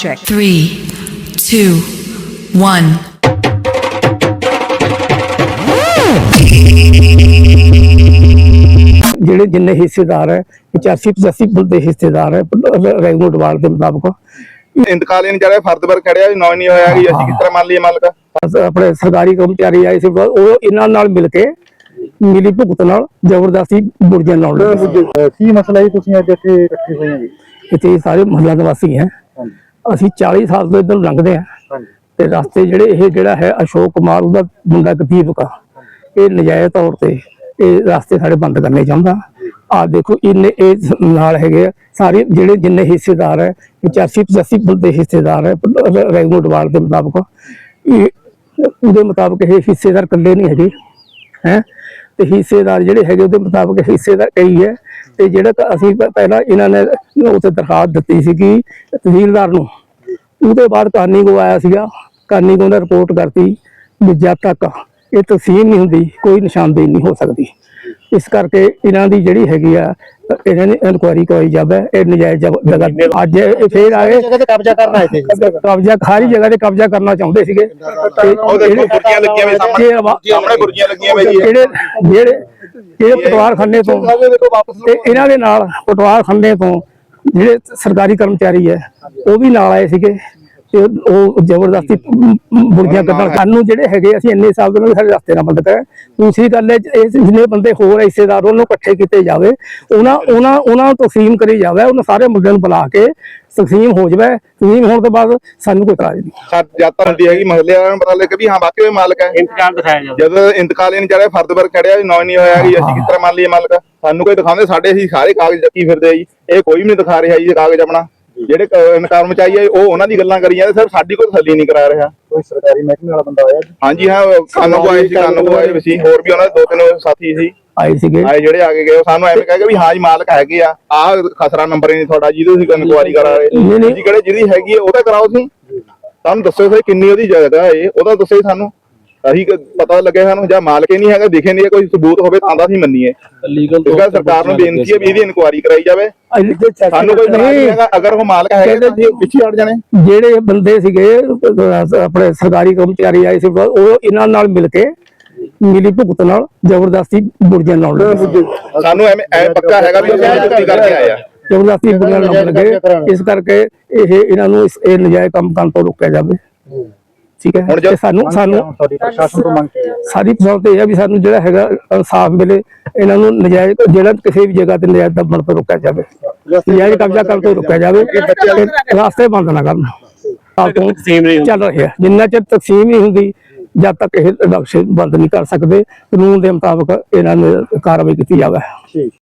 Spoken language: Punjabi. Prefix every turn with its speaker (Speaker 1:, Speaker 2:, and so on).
Speaker 1: project. 3, 2, 1.
Speaker 2: ਜਿਹੜੇ ਜਿੰਨੇ ਹਿੱਸੇਦਾਰ ਹੈ 85-85 ਬੰਦੇ ਹਿੱਸੇਦਾਰ ਹੈ ਰੈਵਨਿਊ ਡਿਪਾਰਟਮੈਂਟ ਦੇ ਮੁਤਾਬਕ
Speaker 3: ਇੰਤਕਾਲੀ ਜਿਹੜਾ ਫਰਦ ਪਰ ਖੜਿਆ ਵੀ ਨੌ ਨਹੀਂ ਹੋਇਆ ਕਿ ਅਸੀਂ ਕਿਸ ਤਰ੍ਹਾਂ ਮੰਨ ਲਈਏ ਮਾਲਕ
Speaker 2: ਆਪਣੇ ਸਰਕਾਰੀ ਕਰਮਚਾਰੀ ਆਏ ਸੀ ਉਹ ਇਹਨਾਂ ਨਾਲ ਮਿਲ ਕੇ ਮਿਲੀ ਭੁਗਤ ਨਾਲ ਜ਼ਬਰਦਸਤੀ ਬੁਰਜੀਆਂ ਲਾਉਣ ਲੱਗੇ।
Speaker 4: ਕੀ ਮਸਲਾ ਹੈ ਤੁਸੀਂ ਅੱਜ ਇੱਥੇ ਇਕੱਠੇ ਹੋਏ ਹੋ ਜੀ?
Speaker 2: ਇੱਥੇ ਸਾਰੇ ਮਹੱਲਾ ਨਿਵਾਸੀ ਹੈ, ਅਸੀਂ 40 ਸਾਲ ਤੋਂ ਇੱਧਰ ਲੰਘਦੇ ਆ ਤੇ ਰਸਤੇ ਜਿਹੜਾ ਹੈ ਅਸ਼ੋਕ ਕੁਮਾਰ ਉਹਦਾ ਮੁੰਡਾ ਦੀਪਕ ਆ, ਇਹ ਨਜਾਇਜ਼ ਤੌਰ ਤੇ ਇਹ ਰਸਤੇ ਸਾਡੇ ਬੰਦ ਕਰਨੇ ਚਾਹੁੰਦਾ। ਆ ਦੇਖੋ ਇਹਨੇ ਇਹ ਨਾਲ ਹੈਗੇ ਸਾਰੇ ਜਿਹੜੇ ਜਿੰਨੇ ਹਿੱਸੇਦਾਰ ਹੈ 85-85 ਬੰਦੇ ਹਿੱਸੇਦਾਰ ਹੈ ਰੈਵਨਿਊ ਡਿਪਾਰਟਮੈਂਟ ਦੇ ਮੁਤਾਬਕ। ਉਹਦੇ ਮੁਤਾਬਕ ਇਹ ਹਿੱਸੇਦਾਰ ਇਕੱਲੇ ਨਹੀਂ ਹੈਗੇ ਹੈ ਤੇ ਹਿੱਸੇਦਾਰ ਜਿਹੜੇ ਹੈਗੇ ਉਹਦੇ ਮੁਤਾਬਕ ਹਿੱਸੇਦਾਰ ਕਈ ਹੈ ਤੇ ਜਿਹੜਾ ਅਸੀਂ ਪਹਿਲਾਂ ਇਹਨਾਂ ਨੇ ਉੱਥੇ ਦਰਖਾਸਤ ਦਿੱਤੀ ਸੀਗੀ ਤਹਿਸੀਲਦਾਰ ਨੂੰ, ਉਹਦੇ ਬਾਅਦ ਕਾਨੀ ਕੋ ਆਇਆ ਸੀਗਾ, ਕਾਨੀ ਕੋ ਨੇ ਰਿਪੋਰਟ ਕਰਤੀ ਵੀ ਜਦ ਤੱਕ ਇਹ ਤਕਸੀਮ ਨਹੀਂ ਹੁੰਦੀ ਕੋਈ ਨਿਸ਼ਾਨਦੇਹੀ ਨਹੀਂ ਹੋ ਸਕਦੀ। ਇਸ ਕਰਕੇ ਇਹਨਾਂ ਦੀ ਜਿਹੜੀ ਹੈਗੀ ਆ ਇਹਨਾਂ ਨੇ ਇਨਕੁਆਇਰੀ ਕਰਵਾਈ ਜਾਵੇ। ਇਹ ਨਜਾਇਜ਼ ਜਗ੍ਹਾ ਅੱਜ ਇਹ ਫੇਰ ਆਏ
Speaker 4: ਜਗ੍ਹਾ ਤੇ ਕਬਜ਼ਾ ਕਰਨ ਆਏ ਸੀ,
Speaker 2: ਕਬਜ਼ਾ ਸਾਰੀ ਜਗ੍ਹਾ ਤੇ ਕਬਜ਼ਾ ਕਰਨਾ ਚਾਹੁੰਦੇ ਸੀਗੇ।
Speaker 3: ਗੁਰਜੀਆਂ ਲੱਗੀਆਂ ਵੇ ਸਾਹਮਣੇ ਗੁਰਜੀਆਂ ਲੱਗੀਆਂ ਵੇ
Speaker 2: ਜਿਹੜੇ ਪਟਵਾਰ ਖੰਨੇ ਤੋਂ ਤੇ ਇਹਨਾਂ ਦੇ ਨਾਲ ਪਟਵਾਰ ਖੰਨੇ ਤੋਂ ਜਿਹੜੇ ਸਰਕਾਰੀ ਕਰਮਚਾਰੀ ਹੈ ਉਹ ਵੀ ਨਾਲ ਆਏ ਸੀਗੇ ਤੇ ਉਹ ਜ਼ਬਰਦਸਤੀ ਬੁਰਜੀਆਂ ਕੱਢਣ ਸਾਨੂੰ ਜਿਹੜੇ ਹੈਗੇ ਅਸੀਂ ਇੰਨੇ ਸਾਲ ਤੋਂ ਸਾਡੇ ਰਸਤੇ ਨਾਲ ਬੰਦ ਕਰਿਆ। ਦੂਸਰੀ ਗੱਲ ਹੈ ਇਹ ਜਿੰਨੇ ਬੰਦੇ ਹੋਰ ਹਿੱਸੇਦਾਰ ਉਹਨੂੰ ਇਕੱਠੇ ਕੀਤੇ ਜਾਵੇ, ਉਹਨਾਂ ਨੂੰ ਤਕਸੀਮ ਕਰੀ ਜਾਵੇ, ਉਹਨਾਂ ਸਾਰੇ ਮੁੱਦਿਆਂ ਨੂੰ ਬੁਲਾ ਕੇ ਤਕਸੀਮ ਹੋ ਜਾਵੇ। ਤਕਸੀਮ ਹੋਣ ਤੋਂ ਬਾਅਦ ਸਾਨੂੰ ਕੋਈ ਇਤਰਾਜ਼ ਨਹੀਂ।
Speaker 3: ਜਾਤਾਂ ਹੁੰਦੀ ਹੈਗੀ ਮਹੱਲੇ ਵਾਲਿਆਂ ਨੂੰ ਪਤਾ ਲੱਗੇ ਵੀ ਹਾਂ ਵਾਕਈ ਉਹ ਮਾਲਕ ਹੈ।
Speaker 4: ਇੰਤਕਾਲ ਦਿਖਾਇਆ ਜਾਵੇ।
Speaker 3: ਜਦੋਂ ਇੰਤਕਾਲੀ ਜਿਹੜਾ ਫਰਦ ਪਰ ਖੜਿਆ ਵੀ ਨੌ ਨਹੀਂ ਹੋਇਆ ਕਿ ਅਸੀਂ ਕਿਸ ਤਰ੍ਹਾਂ ਮੰਨ ਲਈਏ ਮਾਲਕ, ਸਾਨੂੰ ਕੋਈ ਦਿਖਾਉਂਦੇ ਸਾਡੇ ਅਸੀਂ ਸਾਰੇ ਕਾਗਜ਼ ਚੱਕੀ ਫਿਰਦੇ ਆ ਜੀ, ਇਹ ਕੋਈ ਵੀ ਨਹੀਂ ਦਿਖਾ ਰਿਹਾ ਜੀ ਕਾਗਜ਼ ਆਪਣਾ। ਜਿਹੜੇ ਕਰਮਚਾਰੀ ਆ ਉਹ ਉਹਨਾਂ ਦੀ ਗੱਲਾਂ ਕਰੀ ਜਾਂਦੇ, ਸਰ ਸਾਡੀ ਕੋਈ ਤਸੱਲੀ ਨਹੀਂ ਕਰਾ ਰਿਹਾ।
Speaker 4: ਕੋਈ ਸਰਕਾਰੀ ਮਹਿਕਮੇ ਵਾਲਾ ਬੰਦਾ ਆਇਆ?
Speaker 3: ਹਾਂਜੀ ਹਾਂ, ਕਾਨੂੰ ਆਏ ਸੀ, ਕਾਨੂੰ ਆਏ ਸੀ, ਹੋਰ ਵੀ ਉਹਨਾਂ ਦੇ 2-3 ਸਾਥੀ ਸੀ
Speaker 2: ਆਏ ਸੀਗੇ
Speaker 3: ਜਿਹੜੇ ਆ ਕੇ ਗਏ। ਸਾਨੂੰ ਐਵੇਂ ਕਹਿ ਕੇ ਵੀ ਹਾਂ ਜੀ ਮਾਲਕ ਹੈਗੇ ਆ, ਆਹ ਖਸਰਾ ਨੰਬਰ ਹੀ ਨਹੀਂ ਤੁਹਾਡਾ ਜਿਹਦੇ ਤੁਸੀਂ ਇਨਕੁਆਇਰੀ ਕਰਾ ਰਹੇ ਜੀ, ਕਿਹੜੇ ਜਿਹਦੀ ਹੈਗੀ ਹੈ ਉਹਦਾ ਕਰਾਓ। ਸੀ ਸਾਨੂੰ ਦੱਸੋ ਸਹੀ ਕਿੰਨੀ ਉਹਦੀ ਜਗ੍ਹਾ ਹੈ ਉਹਦਾ ਦੱਸੋ ਸਾਨੂੰ, ਅਸੀਂ ਪਤਾ ਲੱਗੇ ਸਾਨੂੰ। ਜਾਂ ਮਾਲਕ ਹੀ ਨਹੀਂ ਹੈਗਾ ਦਿਖੇ ਨਹੀਂ ਕੋਈ ਸਬੂਤ ਹੋਵੇ ਤਾਂ ਦਾ ਅਸੀਂ ਮੰਨੀਏ। ਸਰਕਾਰ ਨੂੰ ਬੇਨਤੀ ਹੈ ਵੀ ਇਹਦੀ ਇਨਕੁਆਇਰੀ ਕਰਾਈ ਜਾਵੇ। ਸਾਨੂੰ ਕੋਈ ਨਹੀਂ ਹੈਗਾ, ਅਗਰ ਉਹ ਮਾਲਕ ਹੈਗਾ ਤਾਂ ਅਸੀਂ ਪਿੱਛੇ ਹਟ ਜਾਣੇ।
Speaker 2: ਜਿਹੜੇ ਬੰਦੇ ਸੀਗੇ ਆਪਣੇ ਸਰਕਾਰੀ ਕਰਮਚਾਰੀ ਆਏ ਸੀ ਉਹ ਇਹਨਾਂ ਨਾਲ ਮਿਲ ਕੇ ਮਿਲੀ ਭੁਗਤ ਨਾਲ ਜ਼ਬਰਦਸਤੀ ਬੁਰਜੀਆਂ ਲਾਉਣ ਲੱਗੇ।
Speaker 3: ਸਾਨੂੰ ਐਵੇਂ ਪੱਕਾ ਹੈਗਾ ਵੀ ਅਸੀਂ ਕਰਕੇ ਆਏ ਆ,
Speaker 2: ਜ਼ਬਰਦਸਤੀ ਬੁਰਜੀਆਂ ਲਾਉਣ ਲੱਗੇ। ਇਸ ਕਰਕੇ ਇਹਨਾਂ ਨੂੰ ਇਹ ਨਜਾਇਜ਼ ਕੰਮ ਕਰਨ ਤੋਂ ਰੋਕਿਆ ਜਾਵੇ। ਠੀਕ ਹੈ, ਹੁਣ ਸਾਨੂੰ
Speaker 4: ਪ੍ਰਸ਼ਾਸਨ ਤੋਂ ਮੰਗ
Speaker 2: ਸਾਰੀ ਪਸੰਦ ਇਹ ਹੈ ਵੀ ਸਾਨੂੰ ਜਿਹੜਾ ਹੈਗਾ ਇਨਸਾਫ ਮਿਲੇ। ਇਹਨਾਂ ਨੂੰ ਨਜਾਇਜ਼ ਜਿਹੜਾ ਕਿਸੇ ਵੀ ਜਗ੍ਹਾ ਤੇ ਨਜਾਇਜ਼ ਦਮਨ ਤੋਂ ਰੋਕਿਆ ਜਾਵੇ, ਨਜਾਇਜ਼ ਕਬਜ਼ਾ ਕਰਨ ਤੋਂ ਰੋਕਿਆ ਜਾਵੇ, ਰਾਸਤੇ ਬੰਦ ਨਾ ਕਰਨ। ਚੱਲ ਰਿਹਾ ਜਿੰਨਾ ਚਿਰ ਤਕਸੀਮ ਨਹੀਂ ਹੁੰਦੀ ਜਦ ਤੱਕ ਇਹ ਬਖਸ਼ ਬੰਦ ਨਹੀਂ ਕਰ ਸਕਦੇ। ਕਾਨੂੰਨ ਦੇ ਮੁਤਾਬਕ ਇਹਨਾਂ ਨੇ ਕਾਰਵਾਈ ਕੀਤੀ ਜਾਵੇ।